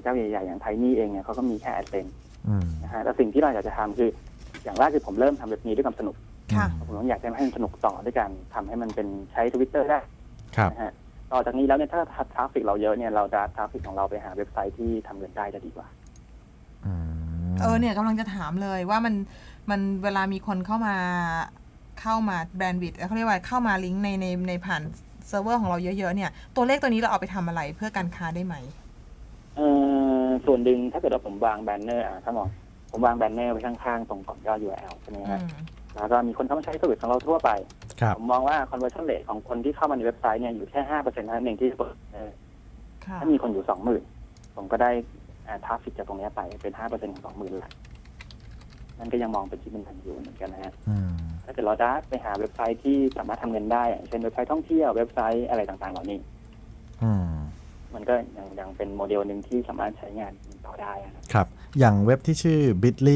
จ้าใหญ่ๆอย่างไทนี่เองเนี่ยเขาก็มีแค่ AdSense นะฮะแต่สิ่งที่เราอยากจะทำคืออย่างแรกคือผมเริ่มทำเว็บนี้ด้วยความสนุกผมอยากจะให้มันสนุกต่อด้วยกันทำให้มันเป็นใช้ Twitter ได้นะฮะต่อจากนี้แล้วเนี่ยถ้าทราฟฟิกเราเยอะเนี่ยเราจะทราฟฟิกของเราไปหาเว็บไซต์ที่ทำเงินได้จะดีกว่าเนี่ยกำลังจะถามเลยว่ามันเวลามีคนเข้ามาแบรนด์วิดเขาเรียกว่าเข้ามาลิงก์ในผ่านเซิร์ฟเวอร์ของเราเยอะๆเนี่ยตัวเลขตัวนี้เราเอาไปทำอะไรเพื่อการค้าได้ไหมส่วนหนึ่งถ้าเกิดว่าผมวางแบนเนอร์ถ้ามองผมวางแบนเนอร์ไว้ข้างๆตรงก่อนยอด URL ใช่ไหมฮะแล้วก็มีคนเข้ามาใช้เซอร์วิสของเราทั่วไปผมมองว่า conversion rate ของคนที่เข้ามาในเว็บไซต์เนี่ยอยู่แค่ 5% เท่านั้นเองที่เปิดถ้ามีคนอยู่ 20,000 ผมก็ได้ทราฟฟิกจากตรงนี้ไปเป็น 5% ของ 20,000 ละนั่นก็ยังมองเป็นชิ้นเป็นพันอยู่เหมือนกันนะฮะถ้าเกิดเราได้ไปหาเว็บไซต์ที่สามารถทำเงินได้เช่นเว็บไซต์ท่องเที่ยวเว็บไซต์อะไรต่างๆเหล่านี้มันก็ยังเป็นโมเดลหนึ่งที่สามารถใช้งานต่อได้ครับอย่างเว็บที่ชื่อ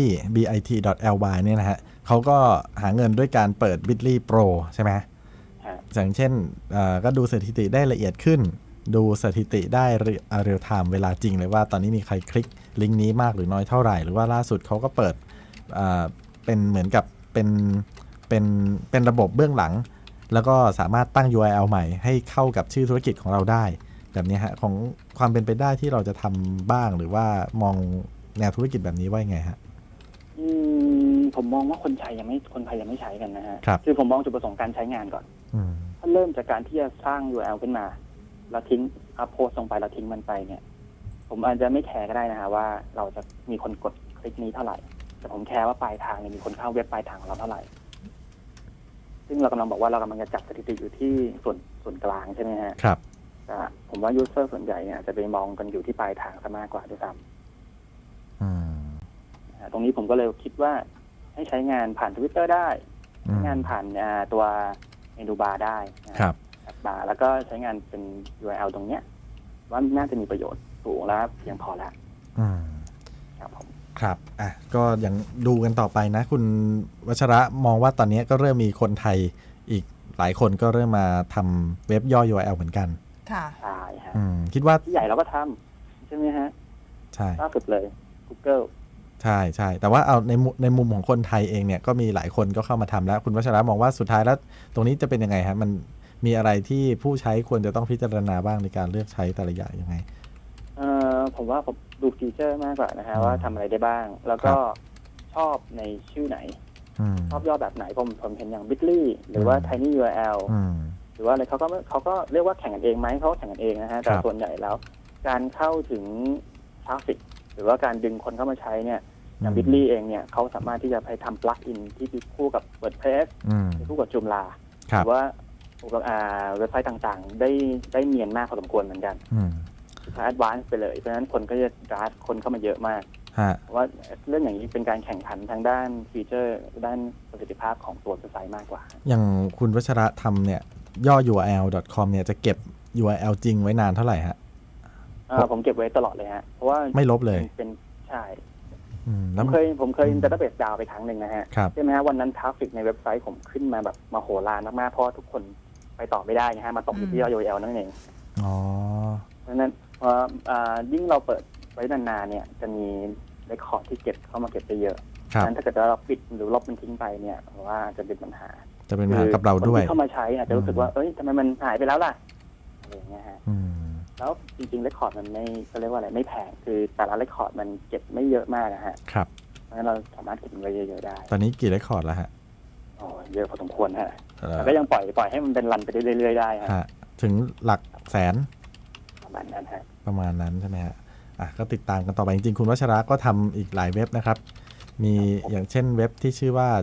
bitly.ly เนี่ยนะฮะเขาก็หาเงินด้วยการเปิด bitly pro ใช่ไหมอย่างเช่นก็ดูสถิติได้ละเอียดขึ้นดูสถิติได้เรียลไทม์เวลาจริงเลยว่าตอนนี้มีใครคลิกลิงก์นี้มากหรือน้อยเท่าไหร่หรือว่าล่าสุดเขาก็เปิดเป็นเหมือนกับเป็นระบบเบื้องหลังแล้วก็สามารถตั้ง URL ใหม่ให้เข้ากับชื่อธุรกิจของเราได้แบบนี้ฮะของความเป็นไปได้ที่เราจะทำบ้างหรือว่ามองแนวธุรกิจแบบนี้ว่ายังไงฮะผมมองว่าคนไทยยังไม่ใช้กันนะฮะคือผมมองจุดประสงค์การใช้งานก่อนถ้าเริ่มจากการที่จะสร้าง URL ขึ้นมาแล้วทิ้งอัพโพสลงไปแล้วทิ้งมันไปเนี่ยผมอาจจะไม่แคร์ก็ได้นะฮะว่าเราจะมีคนกดคลิกนี้เท่าไหร่แต่ผมแคร์ว่าปลายทางมีคนเข้าเว็บปลายทางของเราเท่าไหร่ซึ่งเรากำลังบอกว่าเรากำลังจะจับสถิติอยู่ที่ส่วนกลางใช่ไหมฮะครับผมว่ายูเซอร์ส่วนใหญ่เนี่ยจะไปมองกันอยู่ที่ปลายทางซะมากกว่าด้วยซ้ำตรงนี้ผมก็เลยคิดว่าให้ใช้งานผ่าน Twitter ได้ใช้งานผ่านตัวเมนูบาร์ได้ครับบาร์แล้วก็ใช้งานเป็น URL ตรงเนี้ยว่าน่าจะมีประโยชน์สูงแล้วเพียงพอแล้วครับผมครับก็ยังดูกันต่อไปนะคุณวัชระมองว่าตอนนี้ก็เริ่มมีคนไทยอีกหลายคนก็เริ่มมาทำเว็บย่อ URL เหมือนกันค่ะใช่ฮะคิดว่าที่ใหญ่เราก็ทำใช่ไหมฮะใช่ล่าสุดเลย Google ใช่แต่ว่าเอาในมุมของคนไทยเองเนี่ยก็มีหลายคนก็เข้ามาทำแล้วคุณวัชระมองว่าสุดท้ายแล้วตรงนี้จะเป็นยังไงฮะมันมีอะไรที่ผู้ใช้ควรจะต้องพิจารณาบ้างในการเลือกใช้แต่ละอย่างยังไงผมว่าผมดูฟีเจอร์มากกว่านะฮะว่าทำอะไรได้บ้างแล้วก็ชอบในชื่อไหนชอบย่อแบบไหนผมเห็นอย่าง Bitly หรือว่า Tiny URL หรือว่าอะไรเขาก็เรียกว่าแข่งกันเองไหมเขาแข่งกันเองนะฮะแต่ส่วนใหญ่แล้วการเข้าถึงทราฟฟิกหรือว่าการดึงคนเข้ามาใช้เนี่ยอย่าง Bitly เองเนี่ยเขาสามารถที่จะไปทำ plug in ที่คู่กับ WordPress คู่กับ Joomla หรือว่าเว็บไซต์ต่างๆได้เนียนมากพอสมควรเหมือนกันคือแอดวานซ์ไปเลยเพราะฉะนั้นคนก็จะรัดคนเข้ามาเยอะมากว่าเรื่องอย่างนี้เป็นการแข่งขันทางด้านฟีเจอร์ด้านประสิทธิภาพของตัวเว็บไซต์มากกว่าอย่างคุณวัชระทำเนี่ยย่อ url.com เนี่ยจะเก็บ URL จริงไว้นานเท่าไหร่ฮะผมเก็บไว้ตลอดเลยฮะเพราะว่าไม่ลบเลยเป็นใช่ผมเคยดัตต้าเบสดาวไปครั้งหนึ่งนะฮะใช่ไหมฮะวันนั้นทราฟฟิกในเว็บไซต์ผมขึ้นมาแบบมโหฬารมากๆเพราะทุกคนไปต่อไม่ได้นะฮะมาตกอยู่ที่ยอด URL นั่นเองเพราะนั้นยิ่งเราเปิดไว้นานๆเนี่ยจะมีเรคคอร์ดที่เก็บเข้ามาเก็บได้เยอะงั้นถ้าเกิดเราปิดหรือลบมันทิ้งไปเนี่ยว่าจะเป็นปัญหากับเราด้วยคนที่เข้ามาใช้อาจจะรู้สึกว่าทำไมมันหายไปแล้วล่ะอะไรอย่างเงี้ยฮะแล้วจริงๆเรคคอร์ดมันไม่เขาเรียกว่าอะไรไม่แพงคือแต่ละเรคคอร์ดมันเก็บไม่เยอะมากนะฮะครับเพราะฉะนั้นเราสามารถเก็บมันไว้เยอะๆได้ตอนนี้กี่เรคคอร์ดแล้วฮะเยอะพอสมควรฮะแต่ก็ยังปล่อยให้มันเป็นรันไปเรื่อยๆได้ฮะถึงหลักแสนประมาณนั้นฮะประมาณนั้นใช่ไหมฮะก็ติดตามกันต่อไปจริงๆคุณวัชระก็ทำอีกหลายเว็บนะครับมีอย่างเช่นเว็บที่ชื่อว่า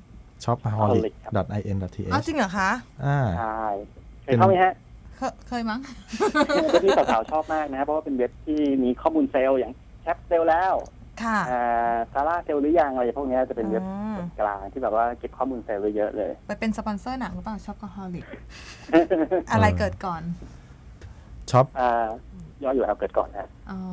shopholic.in.th จริงเหรอคะใช่เคยเข้าไหมฮะเคยมั้งเว็บที่สาวๆชอบมากนะเพราะว่าเป็นเว็บที่มีข้อมูลเซลล์อย่างแคปเซลแล้วซาร่าเซลหรือยังอะไรพวกนี้จะเป็นเว็บกลางที่แบบว่าเก็บข้อมูลเซลล์ไว้เยอะเลยไปเป็นสปอนเซอร์หนังหรือเปล่า Shopaholic อะไรเกิดก่อนช็อปย่อ URL เกิดก่อนนะ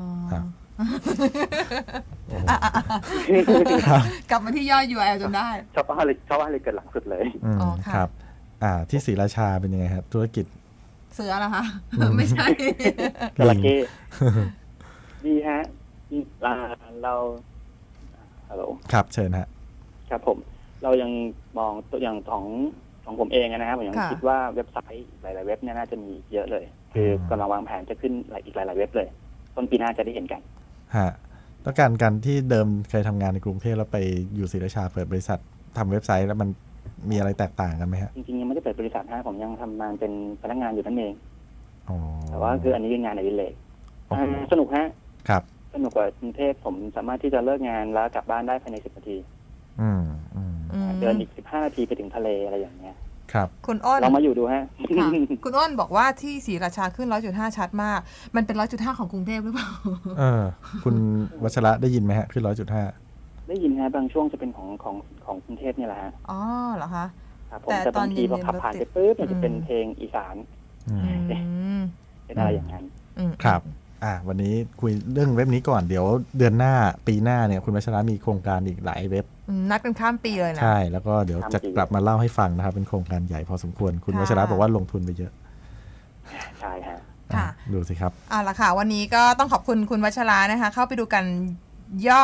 กลับมาที่ย่อ URL จนได้ Shopaholicเกิดหลังสุดเลยครับที่ศรีราชาเป็นยังไงครับธุรกิจเสือเหรอคะไม่ใช่จระเข้ดีฮะเราฮัลโหลครับเชิญฮะครับผมเรายังมองตัวอย่างของผมเองนะครับผมยังคิดว่าเว็บไซต์หลายๆเว็บเนี่ยน่าจะมีเยอะเลยคือกำลังวางแผนจะขึ้นอีกหลายๆเว็บเลยต้นปีหน้าจะได้เห็นกันฮะแล้วการที่เดิมเคยทำงานในกรุงเทพแล้วไปอยู่ศรีราชาเปิดบริษัททำเว็บไซต์แล้วมันมีอะไรแตกต่างกันไหมฮะจริงๆยังไม่ได้เปิดบริษัทนะผมยังทำงานเป็นพนักงานอยู่นั่นเองแต่ว่าคืออันนี้คืองานอดิเรกสนุกฮะครับสนุกกว่ากรุงเทพผมสามารถที่จะเลิกงานแล้วกลับบ้านได้ภายใน10 นาทีเดินอีก15 นาทีไปถึงทะเลอะไรอย่างเงี้ยครับคุณอ้นลองมาอยู่ดูฮะคุณอ้นบอกว่าที่ศรีราชาขึ้น 100.5 ชัดมากมันเป็น 100.5 ของกรุงเทพหรือเปล่าคุณวัชระได้ยินไหมฮะขึ้น 100.5 ได้ยินฮะบางช่วงจะเป็นของกรุงเทพเนี่ยแหละฮะอ๋อเหรอคะครับผมแต่บางทีพอขับผ่านไปปุ๊บมันจะเป็นเพลงอีสานเป็นอะไรอย่างนั้นครับวันนี้คุยเรื่องเว็บนี้ก่อนเดี๋ยวเดือนหน้าปีหน้าเนี่ยคุณวัชระมีโครงการอีกหลายเว็บนัดกันข้ามปีเลยนะใช่แล้วก็เดี๋ยวจะกลับมาเล่าให้ฟังนะครับเป็นโครงการใหญ่พอสมควรคุณวัชระบอกว่าลงทุนไปเยอะใช่ฮะค่ะดูสิครับละค่ะวันนี้ก็ต้องขอบคุณคุณวัชระนะคะเข้าไปดูกันย่อ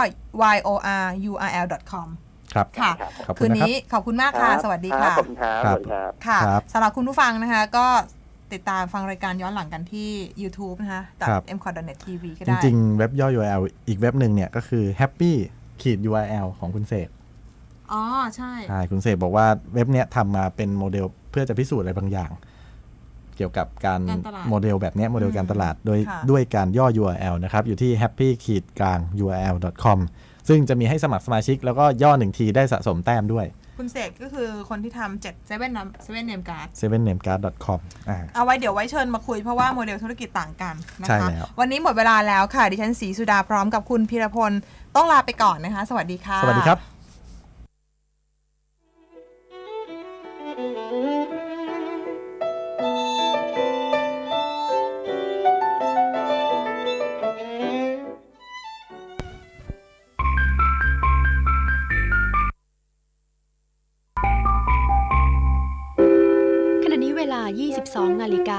yorurl.com ครับค่ะคืนนี้ขอบคุณมากค่ะสวัสดีค่ะขอบคุณครับสวัสดีครับค่ะสำหรับคุณผู้ฟังนะคะก็ติดตามฟังรายการย้อนหลังกันที่ YouTube นะคะ .mcot.net/tv ก็ได้จริงๆเว็บย่อ URL อีกเว็บหนึ่งเนี่ยก็คือ happy-url ของคุณเสกใช่คุณเสกบอกว่าเว็บเนี้ยทำมาเป็นโมเดลเพื่อจะพิสูจน์อะไรบางอย่างเกี่ยวกับการโมเดลแบบนี้โมเดลการตลาดด้วยการย่อ URL นะครับอยู่ที่ happy-url.com ซึ่งจะมีให้สมัครสมาชิกแล้วก็ย่อ1ทีได้สะสมแต้มด้วยคุณเสกก็คือคนที่ทำ7 name card 7namecard.com เอาไว้เดี๋ยวไว้เชิญมาคุยเพราะว่าโมเดลธุรกิจต่างกันนะคะวันนี้หมดเวลาแล้วค่ะดิฉันศรีสุดาพร้อมกับคุณพีรพลต้องลาไปก่อนนะคะสวัสดีค่ะสวัสดีครับเวลา 22 นาฬิกา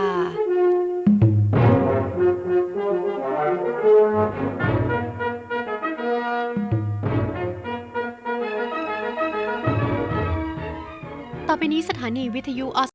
ต่อไปนี้สถานีวิทยุ